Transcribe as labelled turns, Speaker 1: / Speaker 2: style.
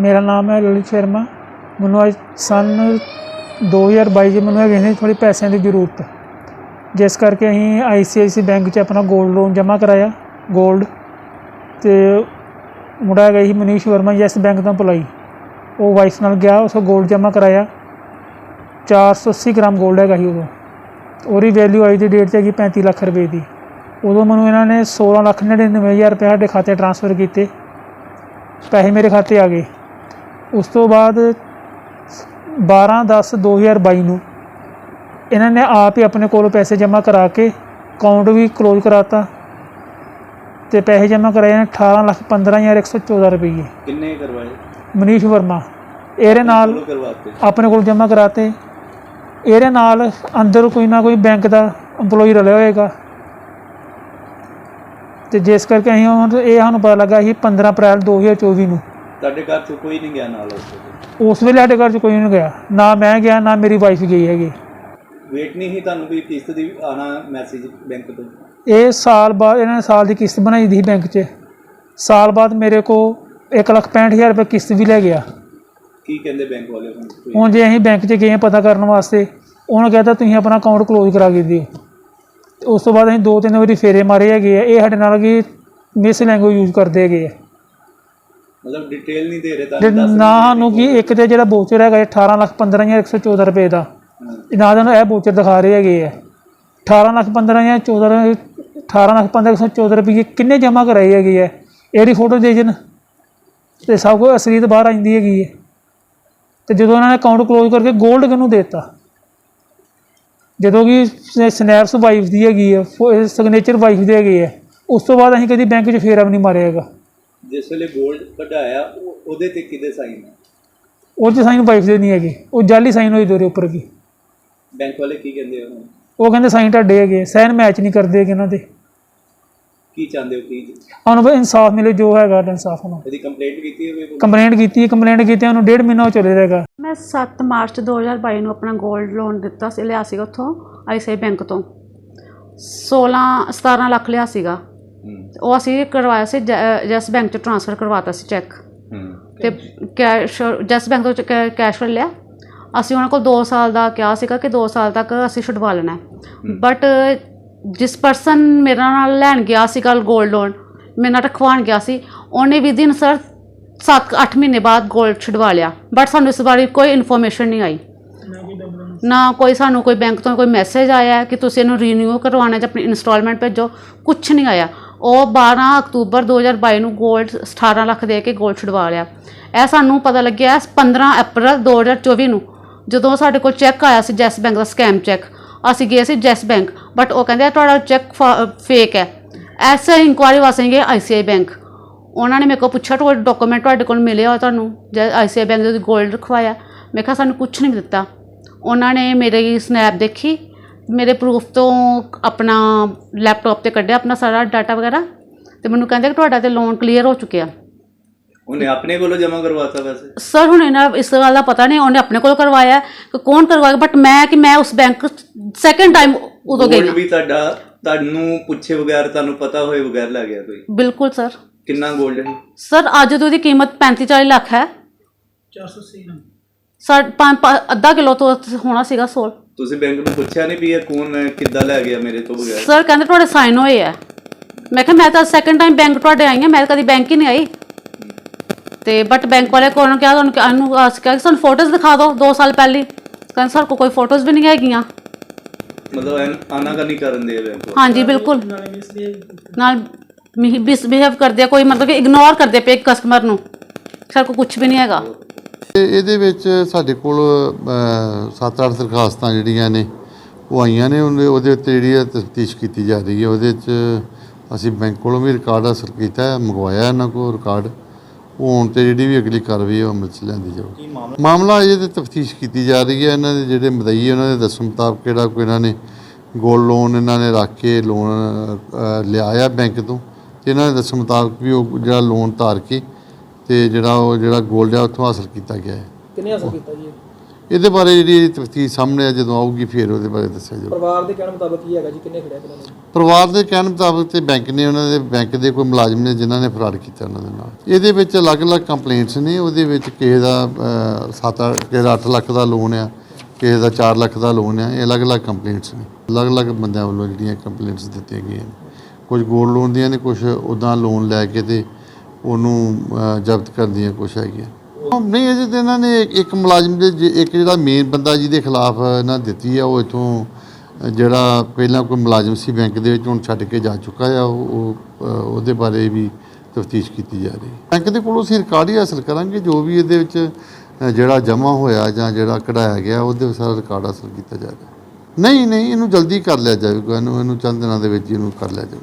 Speaker 1: मेरा नाम है ललित शर्मा। मैनू अज सन 2022 मैनू है थोड़ी पैसों की जरूरत, जिस करके अं ICICI बैंक च अपना गोल्ड लोन जमा कराया। गोल्ड तो मुंडा है ही मनीष वर्मा यस बैंक तो एम्पलॉई, वो वाइफ नाल गया, उस गोल्ड जमा कराया। 480 ग्राम गोल्ड है उदों, और वैल्यू अज की डेट से हैगी 35 लाख रुपए की। उदों मैनू इन्होंने 16,99,000 रुपये साढ़े खाते ट्रांसफर किए, पैसे मेरे खाते आ गए। उस तो बाद 12/10/2022 नूं इन्होंने आप ही अपने कोलों पैसे जमा करा के अकाउंट भी क्लोज कराता, तो पैसे जमा कराए 18,15,114 रुपये।
Speaker 2: किन्ने करवाए?
Speaker 1: मनीष वर्मा एरे नाल अपने को जमा कराते। एरे नाल अंदर कोई ना कोई बैंक का एम्पलॉई रलिया होएगा, तो जिस करके ये सानूं पता लगा ही 15 अप्रैल 2024 नूं।
Speaker 2: ਤੁਹਾਡੇ ਘਰ ਚ ਕੋਈ नहीं गया नाल?
Speaker 1: उस वेले साडे घर च कोई नहीं गया, ना मैं गया ना मेरी वाइफ गई हैगी।
Speaker 2: वेट नहीं ही ਤੁਹਾਨੂੰ कोई किस्त दी आना मैसेज बैंक तो?
Speaker 1: ये साल बाद इन्होंने साल की किस्त बनाई थी बैंक च, साल बाद मेरे को 1,65,000 रुपये किस्त भी लै गया।
Speaker 2: की कहते बैंक वाले?
Speaker 1: हुण जे असीं बैंक च गए पता करने वास्ते, उन्होंने कहता तुसीं अपना अकाउंट क्लोज करा के दिओ। उस तो बाद असीं 2-3 वारी फेरे मारे है, ये साडे नाल कि मिस लैंग्वेज यूज करते है।
Speaker 2: मतलब डिटेल नहीं दे रहे
Speaker 1: ना सानूं कि एक तो जो बोचर है 18,15,114 रुपये का, ना तो यह बोचर दिखा रहे है। 18,15,114 रुपये किन्ने जमा कराए है, ये फोटो दे जन तो सब कुछ असलीत बाहर आती है। तो जो उन्होंने अकाउंट क्लोज करके गोल्ड किनू देता, जो कि स्नैप्स वाइफ की हैगी है, सिग्नेचर वाइफ की हैगी है, उस तो बाद असीं कभी बैंक च फेरा भी नहीं मारिया हैगा।
Speaker 2: जिस वे गोल्ड कढ़ाया उहदे ते किहदे साइन है?
Speaker 1: वो साइन वाइफ के नहीं है, वो जाली साइन हुई दोरे उपर की।
Speaker 2: बैंक वाले की कहते हैं?
Speaker 1: वो कहते साइन ढाडे है, साइन मैच नहीं करते इन्हों के।
Speaker 2: की चाहते हो की
Speaker 1: हम इंसाफ मिले, जो है इंसाफ होना।
Speaker 2: कंप्लेंट की?
Speaker 1: कंप्लेंट की 1.5 महीना चले रहेगा।
Speaker 3: मैं 7 मार्च 2022 अपना गोल्ड लोन दिता लिया उत्थों ICICI बैंक तो 16-17 लाख लिया सीगा। वो असी करवाया से जैस बैंक च ट्रांसफर करवाता सी चैक, तो कैश जैस बैंक तो कैश कर लिया। असी उन्होंने को 2 साल का कहा सीगा कि 2 साल तक असी छुड़वा लेना है, बट जिस परसन मेरे नाल लैन गया सीगा गोल्ड लोन, मेरे नाल रखवान गया सी, उन्हें विदिन सर 7-8 महीने बाद गोल्ड छुड़वा लिया। बट सानू इस बारे कोई इन्फॉर्मेशन नहीं आई, ना कोई सानू कोई बैंक तो कोई मैसेज आया है कि तुसीं इहनूं रीन्यू करवाना जां अपनी इंस्टॉलमेंट भेजो, कुछ नहीं आया। और 12 अक्तूबर 2022 नूं गोल्ड 18 लाख दे के गोल्ड छुड़वा लिया। यह सानू पता लग्या 15 अप्रैल 2024 नूं, जदों साडे कोल चैक आया सी जैस बैंक का स्कैम चैक। असीं गए सी जैस बैंक, बट वो कहंदे तुहाडा चैक फेक है। ऐसे इंक्वायरी वास्ते गए ICICI बैंक, उन्होंने मेरे को पूछा डॉक्यूमेंट तुहाडे कोल मिले हो तुहानूं ICICI बैंक दे गोल्ड रखवाया? मैं कहा सानूं कुछ नहीं दिता। उन्होंने मेरी स्नैप देखी, मेरे प्रूफ तो अपना लैपटॉप से कढ़िया अपना सारा डाटा वगैरह, तो मैंने कहते कि तुहाडा ते लोन क्लीयर हो चुके।
Speaker 2: उन्हें अपने को जमा करवाता? वैसे
Speaker 3: सर हुण इन्हें इस गल का पता नहीं, उन्हें अपने को करवाया कि कौन करवाया, बट मैं उस बैंक सैकेंड टाइम उदों गई
Speaker 2: भी तुहानूं पुछे बगैर तुहानूं पता होए बगैर लै गया कोई?
Speaker 3: बिल्कुल सर।
Speaker 2: कितना गोल्ड है
Speaker 3: सर? अज तो उसकी कीमत 35-40 लाख है।
Speaker 1: 480 ग्राम
Speaker 3: अद्धा किलो तो होना सीगा सोल।
Speaker 2: तुसीं बैंक में पुछया नहीं भी ये कौन किद्दां लै गया मेरे तो बगैर?
Speaker 3: सर कहते तुहाडे साइन होए है। मैं कहा मैं तो सैकेंड टाइम बैंक तुहाडे आई हाँ, मैं कभी बैंक ही नहीं आई। तो बट बैंक वाले को क्या सानूं फोटोज दिखा दो 2 साल पहले, कहते सर को कोई फोटोज भी नहीं हैगियां।
Speaker 2: मतलब आनाकानी करन दे बैंक?
Speaker 3: हाँ जी बिल्कुल, नाल मिसबिहेव कर दिया, कोई मतलब कि इग्नोर कर दिया पे कस्टमर नूं, सर को कुछ भी नहीं हैगा।
Speaker 4: ਇਹਦੇ ਵਿੱਚ ਸਾਡੇ ਕੋਲ 7-8 ਦਰਖਾਸਤਾਂ ਜਿਹੜੀਆਂ ਨੇ ਉਹ ਆਈਆਂ ਨੇ, ਉਹਦੇ ਉੱਤੇ ਜਿਹੜੀ ਤਫਤੀਸ਼ ਕੀਤੀ ਜਾ ਰਹੀ ਹੈ। ਉਹਦੇ 'ਚ ਅਸੀਂ ਬੈਂਕ ਕੋਲੋਂ ਵੀ ਰਿਕਾਰਡ ਹਾਸਲ ਕੀਤਾ, ਮੰਗਵਾਇਆ ਇਹਨਾਂ ਕੋਲ ਰਿਕਾਰਡ। ਉਹ ਹੁਣ ਤੇ ਜਿਹੜੀ ਵੀ ਅਗਲੀ ਕਾਰਵਾਈ ਉਹ ਅਮਲ 'ਚ ਲਿਆਂਦੀ ਜਾਊਗੀ। ਮਾਮਲਾ ਅਜੇ ਤੇ ਤਫਤੀਸ਼ ਕੀਤੀ ਜਾ ਰਹੀ ਹੈ। ਇਹਨਾਂ ਦੇ ਜਿਹੜੇ ਮਦਈ ਉਹਨਾਂ ਦੇ ਦੱਸਣ ਮੁਤਾਬਕ ਕਿਹੜਾ ਕੋਈ ਇਹਨਾਂ ਨੇ ਗੋਲਡ ਲੋਨ ਇਹਨਾਂ ਨੇ ਰੱਖ ਕੇ ਲੋਨ ਲਿਆਇਆ ਬੈਂਕ ਤੋਂ, ਅਤੇ ਇਹਨਾਂ ਦੇ ਦੱਸਣ ਮੁਤਾਬਕ ਵੀ ਉਹ ਜਿਹੜਾ ਲੋਨ ਧਾਰ ਕੇ ਤੇ ਜਿਹੜਾ ਗੋਲਡ ਆ ਉੱਥੋਂ ਹਾਸਲ ਕੀਤਾ ਗਿਆ ਹੈ।
Speaker 1: किन्ने हासिल किया जी?
Speaker 4: ਇਹਦੇ ਬਾਰੇ ਜਿਹੜੀ ਤਫਤੀਸ਼ ਸਾਹਮਣੇ ਆ ਜਦੋਂ ਆਊਗੀ ਫਿਰ ਉਹਦੇ ਬਾਰੇ ਦੱਸਿਆ ਜਾਊਗਾ।
Speaker 5: ਪਰਿਵਾਰ ਦੇ ਕਹਿਣ ਮੁਤਾਬਕ ਕੀ ਹੈਗਾ ਜੀ, ਕਿੰਨੇ ਖੜਿਆ ਇਹਨਾਂ ਨੇ?
Speaker 4: ਪਰਿਵਾਰ ਦੇ ਕਹਿਣ ਮੁਤਾਬਕ ਤੇ ਬੈਂਕ ਨੇ ਉਹਨਾਂ ਦੇ ਬੈਂਕ ਦੇ ਕੋਈ ਮੁਲਾਜ਼ਮ ਨੇ ਜਿਨ੍ਹਾਂ ਨੇ ਫਰਾਡ ਕੀਤਾ ਉਹਨਾਂ ਦੇ ਨਾਲ। ਇਹਦੇ ਵਿੱਚ ਅਲੱਗ-ਅਲੱਗ ਕੰਪਲੇਂਟਸ ਨੇ। ਉਹਦੇ ਵਿੱਚ ਕਿਸੇ ਦਾ 8 ਲੱਖ ਦਾ ਲੋਨ ਆ, ਕਿਸੇ ਦਾ 4 ਲੱਖ ਦਾ ਲੋਨ ਆ। ਇਹ ਅਲੱਗ-ਅਲੱਗ ਕੰਪਲੇਂਟਸ ਨੇ, ਅਲੱਗ-ਅਲੱਗ ਬੰਦਿਆਂ ਵੱਲੋਂ ਜਿਹੜੀਆਂ ਕੰਪਲੇਂਟਸ ਦਿੱਤੀਆਂ ਗਈਆਂ ਨੇ। ਕੁਝ ਗੋਲਡ ਲੋਨ ਦੀਆਂ ਨੇ, ਕੁਝ ਉੱਦਾਂ ਲੋਨ ਲੈ ਕੇ ਤੇ ਉਹਨੂੰ ਜ਼ਬਤ ਕਰਨ ਦੀਆਂ ਕੁਛ ਹੈਗੀਆਂ। ਨਹੀਂ, ਅਜੇ ਤਾਂ ਇਹਨਾਂ ਨੇ ਇੱਕ ਮੁਲਾਜ਼ਮ ਦੇ ਇੱਕ ਜਿਹੜਾ ਮੇਨ ਬੰਦਾ ਜਿਹਦੇ ਖਿਲਾਫ ਇਹਨਾਂ ਦਿੱਤੀ ਆ, ਉਹ ਇੱਥੋਂ ਜਿਹੜਾ ਪਹਿਲਾਂ ਕੋਈ ਮੁਲਾਜ਼ਮ ਸੀ ਬੈਂਕ ਦੇ ਵਿੱਚ, ਹੁਣ ਛੱਡ ਕੇ ਜਾ ਚੁੱਕਾ ਆ। ਉਹਦੇ ਬਾਰੇ ਵੀ ਤਫਤੀਸ਼ ਕੀਤੀ ਜਾ ਰਹੀ ਹੈ। ਬੈਂਕ ਦੇ ਕੋਲੋਂ ਅਸੀਂ ਰਿਕਾਰਡ ਹੀ ਹਾਸਲ ਕਰਾਂਗੇ, ਜੋ ਵੀ ਇਹਦੇ ਵਿੱਚ ਜਿਹੜਾ ਜਮ੍ਹਾਂ ਹੋਇਆ ਜਾਂ ਜਿਹੜਾ ਕਢਾਇਆ ਗਿਆ ਉਹਦੇ ਸਾਰਾ ਰਿਕਾਰਡ ਹਾਸਲ ਕੀਤਾ ਜਾਏਗਾ। ਨਹੀਂ, ਇਹਨੂੰ ਜਲਦੀ ਕਰ ਲਿਆ ਜਾਵੇਗਾ, ਇਹਨੂੰ ਚੰਦ ਦਿਨਾਂ ਦੇ ਵਿੱਚ ਇਹਨੂੰ ਕਰ ਲਿਆ ਜਾਵੇਗਾ।